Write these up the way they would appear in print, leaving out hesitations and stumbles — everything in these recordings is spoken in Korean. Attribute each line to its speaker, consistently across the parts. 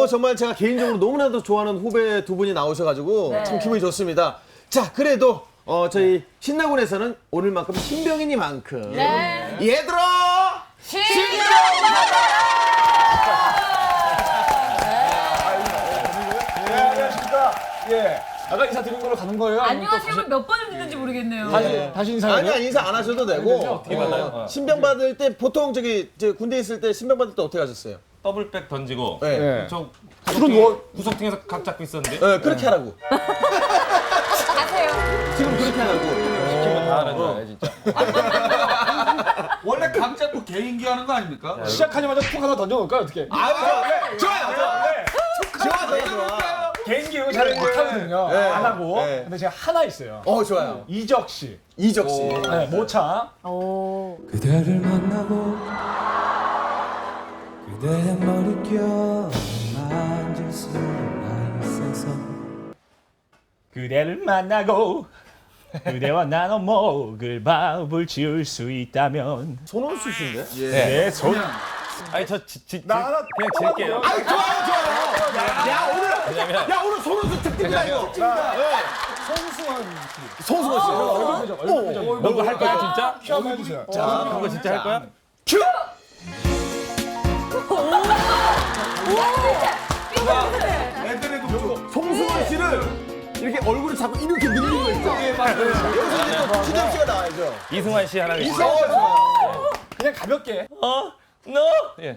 Speaker 1: 정말 제가 개인적으로 너무나도 좋아하는 후배 두 분이 나오셔가지고 참 기분이 좋습니다. 자, 그래도 저희 신나군에서는 오늘만큼 신병이니만큼 얘들아 신병
Speaker 2: 안녕하십니까. 예. 아까 인사 드린 걸로 가는 거예요?
Speaker 3: 안녕하세요. 몇 번을 듣는지 모르겠네요.
Speaker 2: 다시 인사해요?
Speaker 1: 아니야, 인사 안 하셔도 되고.
Speaker 4: 어떻게 받아요?
Speaker 1: 신병 받을 때 보통 저 군대 있을 때 신병 받을 때 어떻게 하셨어요?
Speaker 4: 더블백 던지고
Speaker 1: 네.
Speaker 4: 저
Speaker 2: 그럼 뭐
Speaker 4: 구석탱에서 각 잡고 있었는데
Speaker 1: 네, 그렇게 하라고.
Speaker 3: 아세요?
Speaker 1: 지금 그렇게 하라고.
Speaker 4: 시키면 다 하는 줄 알아요 진짜.
Speaker 5: 원래 각 잡고 개인기 하는 거 아닙니까?
Speaker 2: 시작하자마자 툭 하나 던져놓을까요? 어떻게?
Speaker 1: 좋아.
Speaker 2: 개인기 이거 잘 못하거든요.
Speaker 1: 네.
Speaker 2: 안 하고.
Speaker 1: 네.
Speaker 2: 근데 제가 하나 있어요.
Speaker 1: 좋아요.
Speaker 2: 이적 씨.
Speaker 1: 이적 씨.
Speaker 2: 네, 모차.
Speaker 6: 그대를 만나고 그대의 머릿결 만질 수가 있어서
Speaker 2: 그대를 만나고 그대와 나눠 먹을 밥을 지을 수 있다면
Speaker 1: 손원수 씨인데?
Speaker 2: 내 손.
Speaker 4: 아니 저
Speaker 2: 나 하나
Speaker 4: 그냥 질게요.
Speaker 1: 좋아요. 야, 오늘 손원수 특집이다, 이거.
Speaker 2: 송수원 씨. 얼굴 표정, 얼굴 표정.
Speaker 4: 너거 할 거야 진짜?
Speaker 2: 한번 해주세요.
Speaker 4: 그거 진짜 할 거야?
Speaker 1: 큐!
Speaker 5: 애들에도 좀
Speaker 1: 송승헌 씨를 이렇게 얼굴을 자꾸 이렇게 늘리는 거 있죠? 여기서 이제 또 추정 씨가 나와야죠.
Speaker 4: 이승환 씨 하나 계시죠?
Speaker 1: 좋아요.
Speaker 2: 그냥 가볍게.
Speaker 4: 너? 예.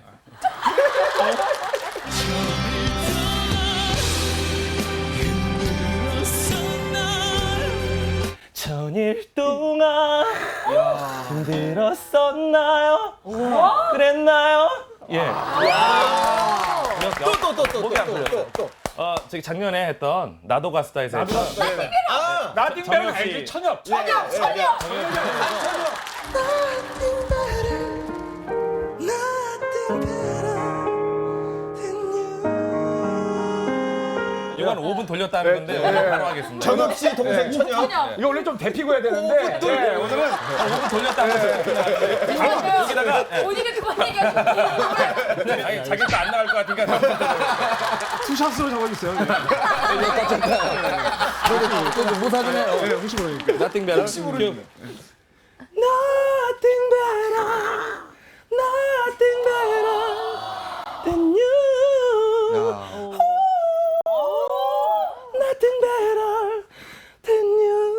Speaker 4: 천일 동안 힘들었었나요? 그랬나요? 예.
Speaker 1: 또.
Speaker 4: 목이 안 풀려요. 저기 작년에 했던 나도 가수다에서 했던
Speaker 2: 나띵배는
Speaker 4: 정혁 씨.
Speaker 2: 알지? 천엽.
Speaker 4: 이거 한 5분 돌렸다는 건데 오늘 바로 하겠습니다.
Speaker 1: 정혁 씨 동생 천혁.
Speaker 2: 이거 원래 좀 데피고 해야 되는데. 네, 오늘은
Speaker 4: 5분 돌렸다는 거예요. 여기다가
Speaker 3: 본인이 그만 얘기하셨지.
Speaker 4: 아니 자기도 안 나갈 것 같으니까
Speaker 2: 투샷으로 적어주세요.
Speaker 1: 무사 좀 해요.
Speaker 2: 네, 혹시 모르니까.
Speaker 4: Nothing better.
Speaker 2: Nothing better, nothing better than you. Nothing better than you.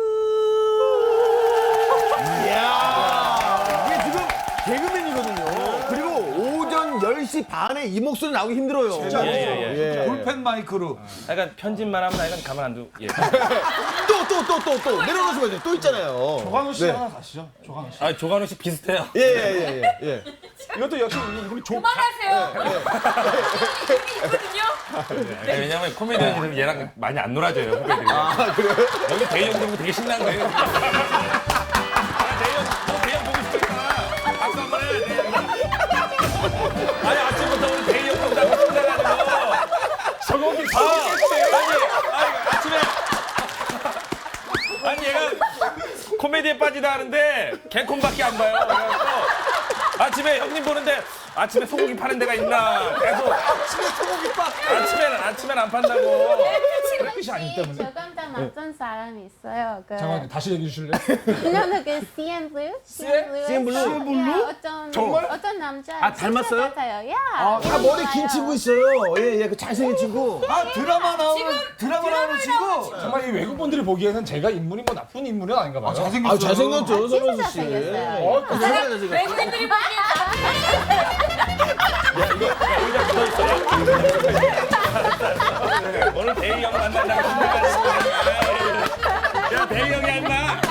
Speaker 1: 이게 지금 개그맨이거든요. 그리고 오전 10시 반에 이 목소리 나오기 힘들어요.
Speaker 5: 진짜
Speaker 4: 예.
Speaker 5: 볼펜 마이크로
Speaker 4: 약간 편집만 하면 나 이건 가만 안 두고 예.
Speaker 1: 또 내려놓으시면 돼요. 또 있잖아요.
Speaker 2: 조관우 씨
Speaker 1: 네.
Speaker 2: 하나 가시죠. 조관우 씨.
Speaker 4: 아 조관우 씨 비슷해요.
Speaker 1: 예.
Speaker 2: 이것도 역시 이분이
Speaker 3: 그만하세요. 이름이 있거든요.
Speaker 4: 아니, 왜냐면 코미디언들은 얘랑 많이 안 놀아줘요 후배들이.
Speaker 1: 그래요?
Speaker 4: 여기 대희 형 보고 되게 신난 거예요. 대희 형 보고 싶으니까 박수 한번 해. 대희 형이. 아니 아침부터 오늘 대희 형 본다고 신나가지고.
Speaker 2: 저거기
Speaker 4: 아니 아침에 아니 얘가 코미디에 빠지다 하는데 개콘밖에 안 봐요. 그래갖고 아침에 형님 보는데 아침에 소고기 파는 데가 있나 계속 아침에는 안 판다고.
Speaker 2: 뜻이 아니기 때문에.
Speaker 7: 저 깜짝 낯선 사람이 있어요. 그
Speaker 2: 잠깐만 다시 얘기해 주실래요?
Speaker 7: 그녀는 그 CN Blue?
Speaker 1: CN Blue?
Speaker 7: 어떤
Speaker 1: 정말?
Speaker 7: 어떤 남자
Speaker 1: 아, 닮았어요?
Speaker 7: 친구 같아요. 야.
Speaker 1: 아, 머리 긴 친구 있어요. 예, 그 잘생긴 친구.
Speaker 5: 드라마 나오는 친구
Speaker 2: 정말 이 외국분들이 보기에는 제가 인물이 뭐 나쁜 인물은 아닌가 봐요.
Speaker 5: 잘생겼어요.
Speaker 1: 잘생겼죠,
Speaker 7: 진짜
Speaker 1: 손원수 씨.
Speaker 7: 잘생겼어요.
Speaker 1: 잘생겼어요.
Speaker 3: 외국인들이 보기엔
Speaker 4: 오늘 대희 형 만난다고 신나가지고. 야 대희 형이야 임마.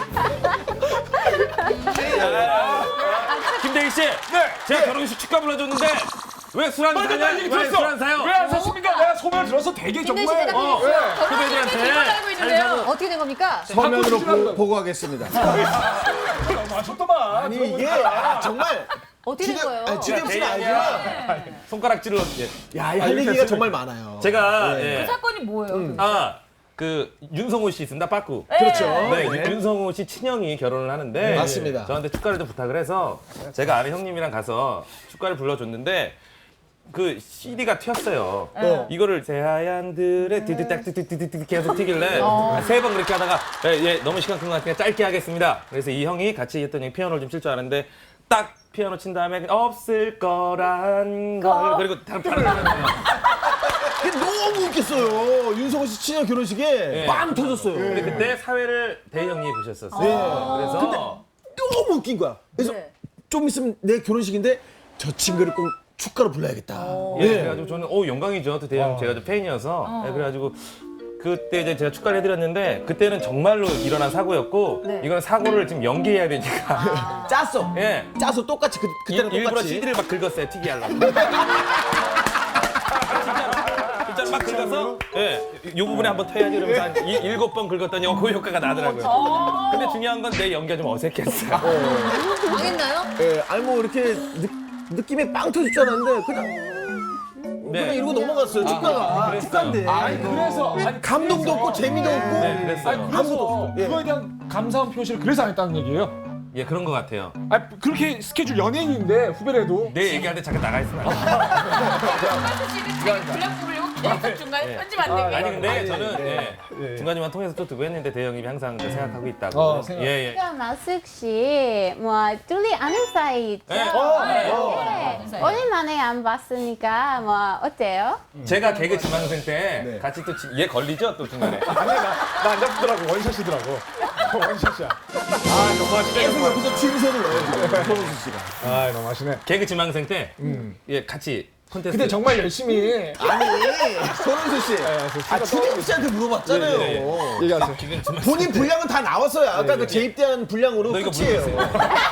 Speaker 4: 김대희 씨. 네. 제가 결혼식 축가 불러줬는데 왜 술 안 사냐? 왜 술 안 사요?
Speaker 2: 왜 안 사십니까? 내가 소문을 들어서 되게 정말
Speaker 4: 후배들한테
Speaker 3: 이걸 알고 있는데요. 어떻게 된 겁니까?
Speaker 1: 서면으로 보고하겠습니다.
Speaker 2: 맞췄더만.
Speaker 1: 아니, 이게 정말.
Speaker 3: 어떻게 된 거예요?
Speaker 1: 지금 씨는
Speaker 4: 대희
Speaker 1: 알지만.
Speaker 4: 손가락질로. 예.
Speaker 1: 야, 할 얘기가 정말 많아요.
Speaker 4: 제가
Speaker 3: 그 사건이 뭐예요?
Speaker 4: 그 윤성호 씨 있습니다. 빠꾸.
Speaker 1: 그렇죠.
Speaker 4: 네, 윤성호 씨 친형이 결혼을 하는데
Speaker 1: 맞습니다.
Speaker 4: 저한테 축가를 좀 부탁을 해서 제가 아는 형님이랑 가서 축가를 불러줬는데 그 CD가 튀었어요. 이거를 새하얀들의 디디딱디디디디 계속 튀길래 3번 그렇게 하다가 너무 시간 끈 것 같으니까 짧게 하겠습니다. 그래서 이 형이 같이 했던 형이 피아노를 좀 칠 줄 아는데 딱 피아노 친 다음에 없을 거란 걸 그리고 다른 바로 나갔어요.
Speaker 1: 그게 너무 웃겼어요. 윤성호 씨 친형 결혼식에 빵 터졌어요.
Speaker 4: 근데 그때 사회를 대희 형이 보셨었어요. 그래서
Speaker 1: 너무 웃긴 거야. 그래서
Speaker 3: 네.
Speaker 1: 좀 있으면 내 결혼식인데 저 친구를 꼭 축가로 불러야겠다.
Speaker 4: 그래가지고 저는 영광이죠. 또 대희 형 제가 좀 팬이어서 그래가지고 그때 이제 제가 축가를 해드렸는데 그때는 정말로 일어난 사고였고 이건 사고를 지금 연기해야 되니까
Speaker 1: 짰어.
Speaker 4: 예.
Speaker 1: 짜서 똑같이 그때랑
Speaker 4: 일부러
Speaker 1: 똑같이.
Speaker 4: CD를 막 긁었어요. 튀기 하려고. 진짜로 막 긁어서 이 부분에 한번 터야지 이러면서 한 7번 긁었더니 그 효과가 나더라고요. 근데 중요한 건 내 연기가 좀 어색했어요.
Speaker 3: 망했나요?
Speaker 1: 예, 아니 뭐 이렇게 느낌이 빵 터질 줄 알았는데 그냥 이러고 넘어갔어요. 축가가. 축가인데.
Speaker 2: 그래서 아니,
Speaker 1: 감동도 없고 재미도 없고.
Speaker 4: 네, 그랬어요.
Speaker 1: 아무것도
Speaker 2: 그래서
Speaker 1: 없어. 예.
Speaker 2: 그거에 대한 감사한 표시를 그래서 안 했다는 얘기예요.
Speaker 4: 예, 그런 것 같아요.
Speaker 2: 아 그렇게 스케줄 연예인인데 후배래도
Speaker 4: 내 얘기할 때 잠깐 나가 있으면 안 돼요.
Speaker 3: 분량 부르려고 중간에 편집 안 되게.
Speaker 4: 아니 근데 저는 중간중간 통해서 또 두고 했는데 대희 형님이 항상 생각하고 있다고.
Speaker 2: 생각.
Speaker 4: 예.
Speaker 7: 그럼 나숙 씨, 뭐 둘이 아는 사이 있죠?
Speaker 4: 네.
Speaker 7: 네. 오랜만에 안 봤으니까 뭐 어때요?
Speaker 4: 제가 개그 지망생 때 같이 또 얘 걸리죠 또 중간에.
Speaker 2: 아니 나안 잡더라고 원샷이더라고. 원샷이야.
Speaker 1: 계속 옆에서 취미생을 넣어요. 지금. 손호수 씨가.
Speaker 2: 아 너무 하시네.
Speaker 4: 개그 지망생 때 같이 콘테스트.
Speaker 2: 근데 정말 열심히
Speaker 1: 아니, 손호수 씨. 추경 씨한테 물어봤잖아요.
Speaker 2: 얘기하세요.
Speaker 4: 개그 지망생
Speaker 1: 본인 분량은 다 나왔어요. 아까 그 재입대한 분량으로
Speaker 4: 너 이거
Speaker 1: 끝이에요.
Speaker 4: 물었어요.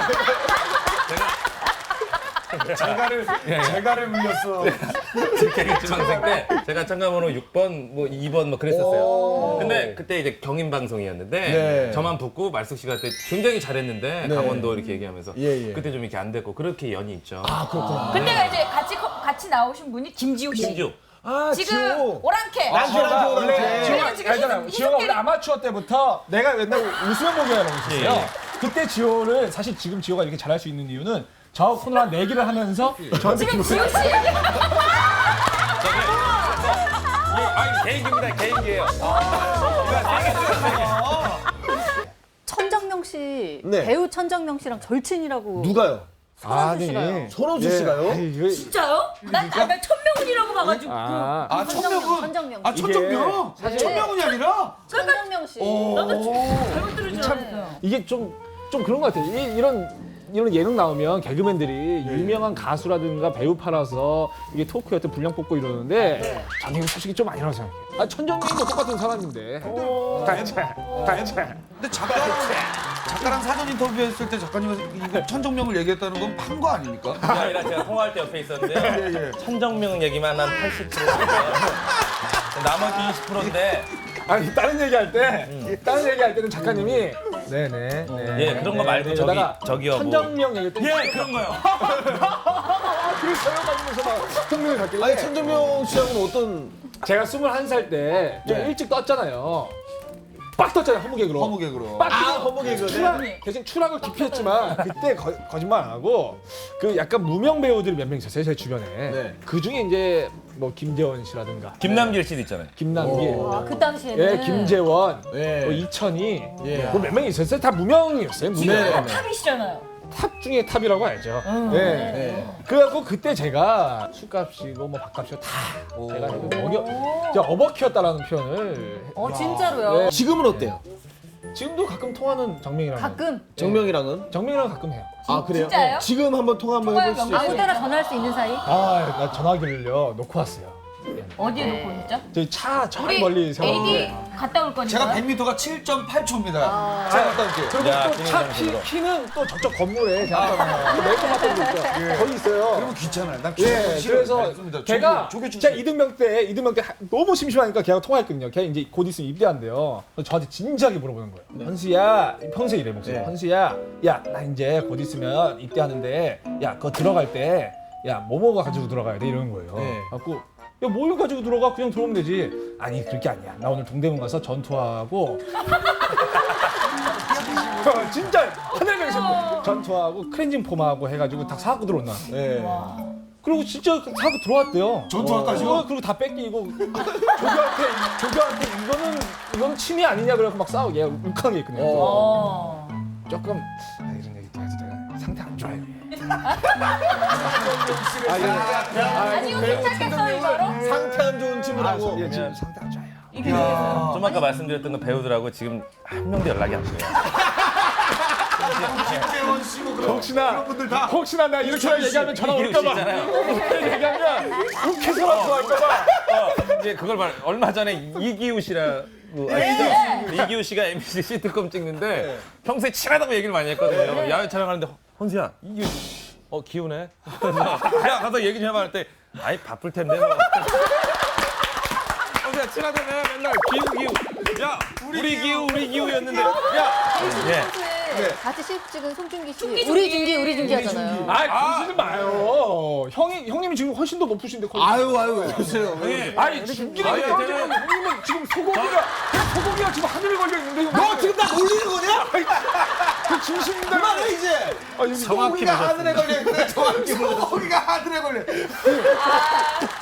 Speaker 2: 제가를 물렸어.
Speaker 4: 개그 지망생 때 제가 참가번호 6번 뭐 2번 뭐 그랬었어요. 근데 그때 이제 경인 방송이었는데
Speaker 1: 네.
Speaker 4: 저만 붙고 말숙 씨가 그때 굉장히 잘했는데
Speaker 1: 네.
Speaker 4: 강원도 이렇게 얘기하면서
Speaker 1: 예.
Speaker 4: 그때 좀 이렇게 안 됐고 그렇게 연이 있죠.
Speaker 1: 아, 그렇구나.
Speaker 3: 근데가 이제 같이 나오신 분이 김지욱 씨.
Speaker 4: 심지어
Speaker 1: 아,
Speaker 3: 지금
Speaker 1: 지호.
Speaker 3: 오랑캐.
Speaker 1: 랑캐랑
Speaker 2: 원래
Speaker 3: 지호가 지금
Speaker 2: 알잖아.
Speaker 3: 희석-
Speaker 2: 지호가 원래
Speaker 3: 희석끼리-
Speaker 2: 아마추어 때부터 내가 맨날 웃으면 보기라고 있었어요.
Speaker 4: 예.
Speaker 2: 그때 지호를 사실 지금 지호가 이렇게 잘할 수 있는 이유는 저 코너를 한 4개를 하면서 저한테
Speaker 3: 지금 지욱 씨.
Speaker 4: 아니 개인기입니다. 개인기예요.
Speaker 8: 천정명 씨,
Speaker 1: 네.
Speaker 8: 배우 천정명 씨랑 절친이라고.
Speaker 1: 누가요?
Speaker 2: 아니
Speaker 1: 손호수 씨가요?
Speaker 3: 진짜요? 난 천명훈이라고 봐가지고.
Speaker 5: 천명은
Speaker 8: 천정명
Speaker 5: 아
Speaker 8: 씨.
Speaker 5: 천정명? 천명은이 아니라?
Speaker 8: 천정명 씨.
Speaker 3: 잘못 들은 줄 알았어요.
Speaker 2: 이게 좀 그런 것 같아요. 이런 예능 나오면 개그맨들이 유명한 가수라든가 배우 팔아서 이게 토크에 어떤 분량 뽑고 이러는데 저는 이거 솔직히 좀 아니라고 생각해요. 아 천정명도 똑같은 사람인데.
Speaker 5: 근데 작가랑 사전 인터뷰했을 때 작가님이 이거 천정명을 얘기했다는 건 판 거 아닙니까?
Speaker 4: 그게 아니라 제가 통화할 때 옆에 있었는데요. 천정명 얘기만 한 80%. 나머지 20%인데
Speaker 2: 아니 다른 얘기할 때는 작가님이 네네.
Speaker 4: 예 그런 거 말고 저기요 뭐.
Speaker 2: 천정명 얘기할 때
Speaker 4: 예 그런 거요.
Speaker 2: 그랬어요 하면서 막 흥미를 갖길래
Speaker 1: 아니, 천정명 씨하고는 어떤.
Speaker 2: 제가 21살 때 좀 일찍 떴잖아요. 빡 떴잖아요 허무개그로.
Speaker 5: 허무개그로.
Speaker 2: 빡
Speaker 1: 허무개그네.
Speaker 2: 대신 추락을 기피했지만 그때 거짓말 안 하고 그 약간 무명 배우들이 몇 명 있었어요 제 주변에.
Speaker 1: 네.
Speaker 2: 그 중에 이제 뭐 김재원 씨라든가
Speaker 4: 김남길 씨도 있잖아요.
Speaker 2: 김남길,
Speaker 8: 그 당시에는.
Speaker 2: 예 김재원,
Speaker 1: 예.
Speaker 2: 뭐 이천희,
Speaker 1: 예.
Speaker 2: 뭐 몇 명이 있었어요. 다 무명이었어요. 무명.
Speaker 1: 네.
Speaker 3: 탑이시잖아요.
Speaker 2: 탑 중에 탑이라고 알죠. 네.
Speaker 1: 네.
Speaker 2: 그래갖고 그때 제가 술값이고 뭐 밥값이고 다 제가 제가 어버키였다라는 표현을.
Speaker 8: 진짜로요?
Speaker 2: 네.
Speaker 1: 지금은 어때요?
Speaker 2: 지금도 가끔 통화는 정명이랑.
Speaker 8: 가끔
Speaker 1: 정명이랑은?
Speaker 2: 정명이랑 가끔 해요.
Speaker 1: 아, 그래요?
Speaker 3: 진짜요?
Speaker 1: 지금 한번 통화 한번
Speaker 3: 통화
Speaker 1: 해볼 수
Speaker 3: 연결.
Speaker 1: 있어요?
Speaker 8: 아무 때나 전화할 수 있는 사이?
Speaker 2: 나 전화기를요 놓고 왔어요.
Speaker 3: 어디에 놓고 오셨죠?
Speaker 2: 저희 저
Speaker 3: 우리
Speaker 2: 멀리
Speaker 3: AD
Speaker 2: 세웠는데.
Speaker 3: 갔다 올 거니까.
Speaker 5: 제가 100m가 7.8초입니다. 제가 갔다 올게요.
Speaker 2: 그리고
Speaker 4: 야,
Speaker 2: 또 차
Speaker 4: 김인정
Speaker 2: 키는 또 저쪽 건물에 제가 메이커 맡은 데 있어요. 거기 있어요.
Speaker 5: 그러면 귀찮아요. 난
Speaker 2: 예,
Speaker 5: 귀찮아요.
Speaker 2: 그래서
Speaker 5: 알겠습니다.
Speaker 2: 걔가
Speaker 5: 조교
Speaker 2: 제가 이등병 때 너무 심심하니까 걔가 통화했거든요. 걔 이제 곧 있으면 입대한대요. 그래서 저한테 진지하게 물어보는 거예요. 현수야, 평소에 이래 목소리. 현수야, 야, 나 이제 곧 있으면 입대하는데, 야, 그거 들어갈 때, 야, 뭐가 가지고 들어가야 돼 이러는 거예요.
Speaker 1: 네.
Speaker 2: 갖고 야, 뭘 가지고 들어가? 그냥 들어오면 되지. 아니, 그렇게 아니야. 나 오늘 동대문 가서 전투하고 진짜 하늘명심 전투하고 크렌징 폼하고 해가지고 다 사갖고 들어온다.
Speaker 1: 네.
Speaker 2: 그리고 진짜 사고 들어왔대요.
Speaker 5: 전투할까지요?
Speaker 2: 그리고 다 뺏기고 조교한테 이거는 침해 아니냐 그래서 막 싸우고 얘가 울컥한 게 있거든요.
Speaker 3: 어.
Speaker 2: 조금 이런 얘기 또 해도 돼요. 상태 안 좋아요.
Speaker 3: 아니 이거 괜찮겠어요 바로?
Speaker 1: 상태 안 좋은 친구라고.
Speaker 2: 예, 지금 상태 안 좋아요.
Speaker 3: 이게 되겠어요.
Speaker 4: 좀 아까 말씀드렸던 그 배우들하고 지금 한 명도 연락이 안 돼요.
Speaker 5: 김재원 씨고 그런
Speaker 2: 혹시나 내가 이렇게 얘기하면 전화 올까봐. 이렇게 얘기하면 욱해서라도 할까봐.
Speaker 4: 이제 그걸 말 얼마 전에 이기우 씨라고 아시죠? 이기우 씨가 MBC 시트콤 찍는데 평소에 친하다고 얘기를 많이 했거든요. 야외 촬영하는데 헌수야 이기우 기우네. 야 가서 얘기 좀 해봐 할 때 아이 바쁠 텐데 뭐. 헌수야 친하다며 맨날 기우. 야 우리 기우였는데 야 예.
Speaker 8: 같이 실 찍은 송중기 씨. 우리 준기 하잖아요.
Speaker 2: 그러시지 마요. 형님이 지금 훨씬 더 높으신데.
Speaker 1: 아유 왜 그러세요?
Speaker 2: 아니 준기가
Speaker 4: 아니,
Speaker 2: 떨어지면 형님은 지금 소고기가 지금 하늘에 걸려 있는데 형.
Speaker 1: 너 지금 나 놀리는 거냐?
Speaker 2: 그 진심인데.
Speaker 1: 그만해 이제.
Speaker 4: 정확히
Speaker 1: 소고기가
Speaker 4: 보셨습니다.
Speaker 1: 하늘에 걸려 있는데 정확히
Speaker 5: 소고기가 하늘에 걸려.